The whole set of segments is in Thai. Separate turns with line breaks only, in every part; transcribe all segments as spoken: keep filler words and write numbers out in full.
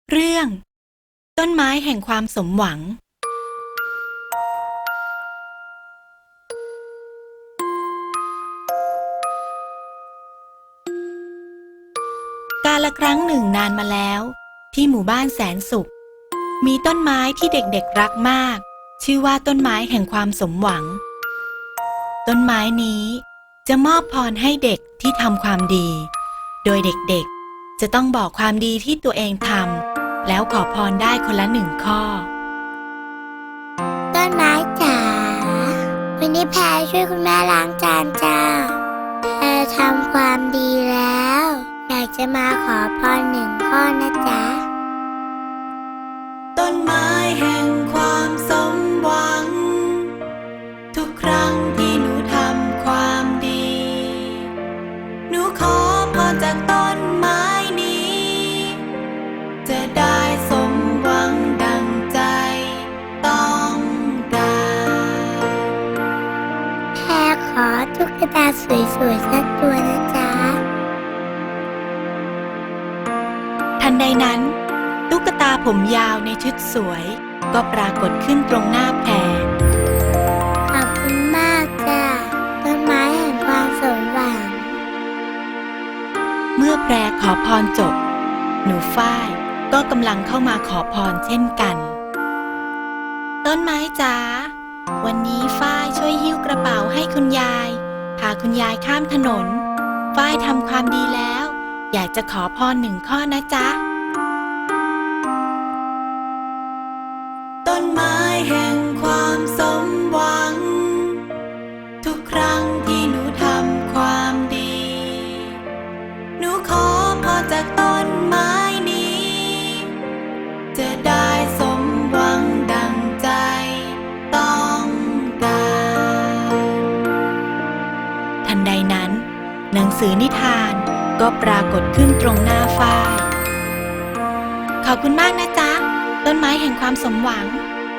เรื่องต้นไม้แห่งความสมหวังกาลครั้งหนึ่งนานมาแล้วที่หมู่บ้านแสนสุขมีต้นไม้ที่เด็กๆรักมากชื่อว่าต้นไม้แห่งความสมหวังต้นไม้นี้จะมอบพรให้เด็กที่ทำความดีโดยเด็กๆจะต้องบอกความดีที่ตัวเองทำแล้วขอพรได้คนละหนึ่งข้อ
ต้นไม้จ๋าวันนี้แพรช่วยคุณแม่ล้างจานจ้าแพรทำความดีแล้วอยากจะมาขอพรหนึ่งข้อนะจ๊ะ
ต้นไม้แห่งความสมหวังทุกครั้งที่หนูทำความดีหนูขอพรจากต้นไม้นี้จะได้สมหวังดังใจต้องการ
แพรขอตุ๊กตาสวยๆสักตัวนะจ๊ะ
ทันใดนั้นตุ๊กตาผมยาวในชุดสวยก็ปรากฏขึ้นตรงหน้าแพร
ขอบคุณมากจ้ะต้นไม้แห่งความสมหวัง
เมื่อแพรขอพรจบหนูฝ้ายก็กำลังเข้ามาขอพรเช่นกันต้นไม้จ๋าวันนี้ฝ้ายช่วยหิ้วกระเป๋าให้คุณยายพาคุณยายข้ามถนนฝ้ายทำความดีแล้วอยากจะขอพรหนึ่งข้อนะจ๊ะต้นไม้แห่งความสมหวังทุกครั้งที่หนูทำความดีหนูขอพรจากต้นไม้นี้จะได้สมหวังดังใจต้องการทันใดนั้นหนังสือนิทานก็ปรากฏขึ้นตรงหน้าฝ้ายขอบคุณมากนะจ๊ะต้นไม้แห่งความสมหวัง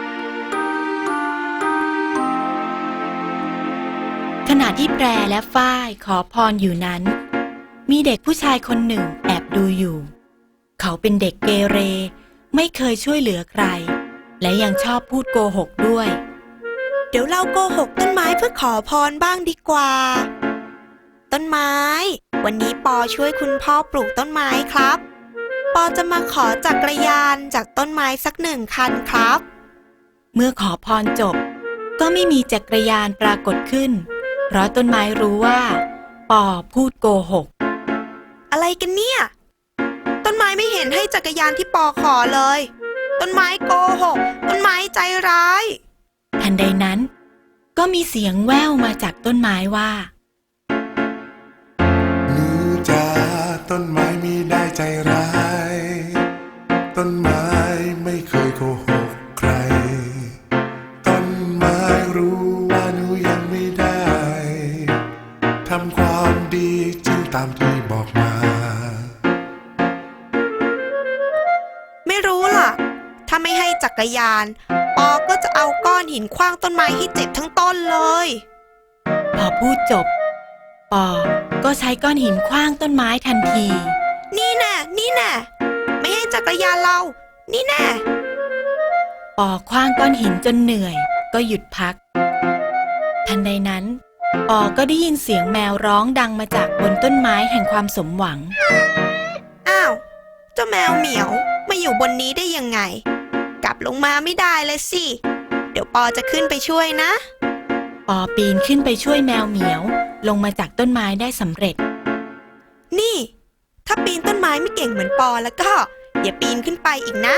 ขณะที่แพรและฝ้ายขอพรอยู่นั้นมีเด็กผู้ชายคนหนึ่งแอบดูอยู่เขาเป็นเด็กเกเรไม่เคยช่วยเหลือใครและยังชอบพูดโกหกด้วย
เดี๋ยวเราโกหกต้นไม้เพื่อขอพรบ้างดีกว่าต้นไม้วันนี้ปอช่วยคุณพ่อปลูกต้นไม้ครับปอจะมาขอจักรยานจากต้นไม้สักหนึ่งคันครับ
เมื่อขอพรจบก็ไม่มีจักรยานปรากฏขึ้นเพราะต้นไม้รู้ว่าปอพูดโกหก
อะไรกันเนี่ยต้นไม้ไม่เห็นให้จักรยานที่ปอขอเลยต้นไม้โกหกต้นไม้ใจร้าย
ทันใดนั้นก็มีเสียงแว่วมาจากต้นไม้ว่า
หนูจ๋าต้นไม้มีได้ใจร้ายต้นไม้ไม่เคยโกหกใครต้นไม้รู้ว่าหนูยังไม่ได้ทำความดีจริงตามที่บอกมา
ไม่รู้ล่ะถ้าไม่ให้จักรยานปอก็จะเอาก้อนหินขว้างต้นไม้ให้เจ็บทั้งต้นเลย
พอพูดจบปอก็ใช้ก้อนหินขว้างต้นไม้ทันที
นี่แน่นี่แน่ไม่ให้จักรยานเรานี่แน่
ปอขว้างก้อนหินจนเหนื่อยก็หยุดพักทันใดนั้นปอก็ได้ยินเสียงแมวร้องดังมาจากบนต้นไม้แห่งความสมหวัง
อ้าวเจ้าแมวเหมียวมาอยู่บนนี้ได้ยังไงกลับลงมาไม่ได้เลยสิเดี๋ยวปอจะขึ้นไปช่วยนะ
ปอปีนขึ้นไปช่วยแมวเหมียวลงมาจากต้นไม้ได้สำเร็จ
นี่ถ้าปีนต้นไม้ไม่เก่งเหมือนปอแล้วก็อย่าปีนขึ้นไปอีกนะ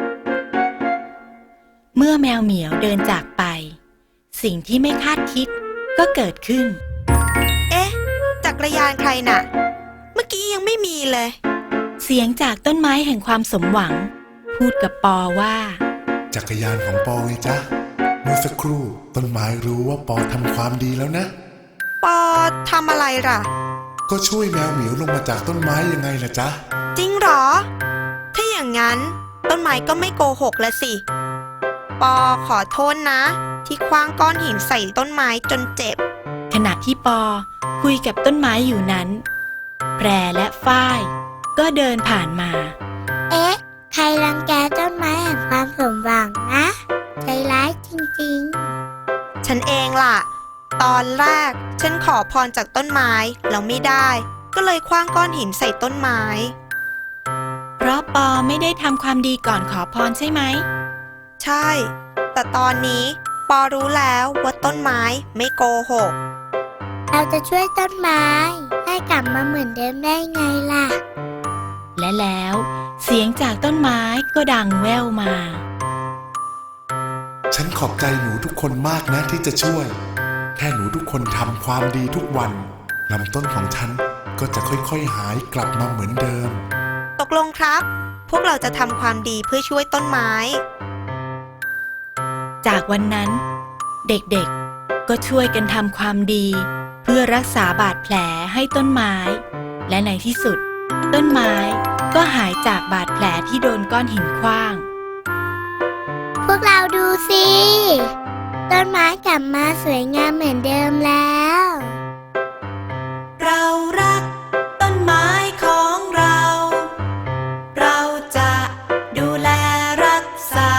เมื่อแมวเหมียวเดินจากไปสิ่งที่ไม่คาดคิดก็เกิดขึ้น
เอ๊ะจักรยานใครน่ะเมื่อกี้ยังไม่มีเลย
เสียงจากต้นไม้แห่งความสมหวังพูดกับปอว่า
จักรยานของปอไงจ๊ะเมื่อสักครู่ต้นไม้รู้ว่าปอทำความดีแล้วนะ
ปอทำอะไรล่ะ
ก็ช่วยแมวเหมียวลงมาจากต้นไม้ยังไงล่ะจ๊ะ
จริงหรอถ้าอย่างนั้นต้นไม้ก็ไม่โกหกละสิปอขอโทษนะที่ขว้างก้อนหินใส่ต้นไม้จนเจ็บ
ขณะที่ปอคุยกับต้นไม้อยู่นั้นแพรและฝ้ายก็เดินผ่านมา
เอ๊ะใครล่ะ
อนแรกฉันขอพรจากต้นไม้แล้วไม่ได้ ก็เลยคว้างก้อนหินใส่ต้นไม้
เพราะปอไม่ได้ทำความดีก่อนขอพรใช่ไหม
ใช่ แต่ตอนนี้ปอรู้แล้วว่าต้นไม้ไม่โกหก
เราจะช่วยต้นไม้ให้กลับมาเหมือนเดิมได้ไงล่ะ
และแล้วเสียงจากต้นไม้ก็ดังแว่วมา
ฉันขอบใจหนูทุกคนมากนะที่จะช่วย แค่หนูทุกคนทำความดีทุกวันลำต้นของฉันก็จะค่อยๆหายกลับมาเหมือนเดิม
ตกลงครับ พวกเราจะทำความดีเพื่อช่วยต้นไม้
จากวันนั้น เด็กๆก็ช่วยกันทำความดี เพื่อรักษาบาดแผลให้ต้นไม้ และในที่สุด ต้นไม้ก็หายจากบาดแผลที่โดนก้อนหินขว้าง
พวกเราดูสิ ต้นไม้กลับมาสวยงามเหมือนเดิมแล้ว
เรารักต้นไม้ของเรา เราจะดูแลรักษา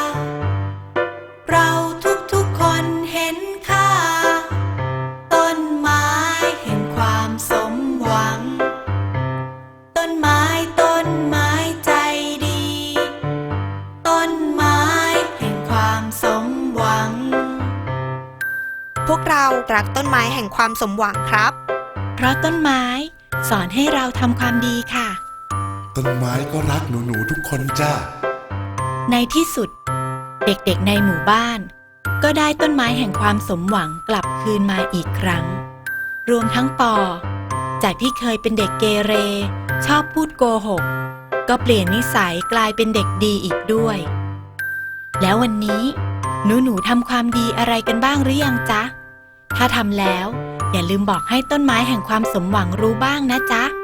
เราทุกๆคนเห็นค่า ต้นไม้แห่งความสมหวัง ต้นไม้ต้นไม้ใจดี ต้นไม้แห่งความสมหวัง
พวกเรารักต้นไม้แห่งความสมหวังครับ
เพราะต้นไม้สอนให้เราทำความดีค่ะ
ต้นไม้ก็รักหนูๆทุกคนจ้า
ในที่สุด เด็กๆในหมู่บ้าน ก็ได้ต้นไม้แห่งความสมหวังกลับคืนมาอีกครั้ง รวมทั้งปอ จากที่เคยเป็นเด็กเกเร ชอบพูดโกหก ก็เปลี่ยนนิสัยกลายเป็นเด็กดีอีกด้วย แล้ววันนี้หนูๆทำความดีอะไรกันบ้างหรือยังจ๊ะ ถ้าทำแล้วอย่าลืมบอกให้ต้นไม้แห่งความสมหวังรู้บ้างนะจ๊ะ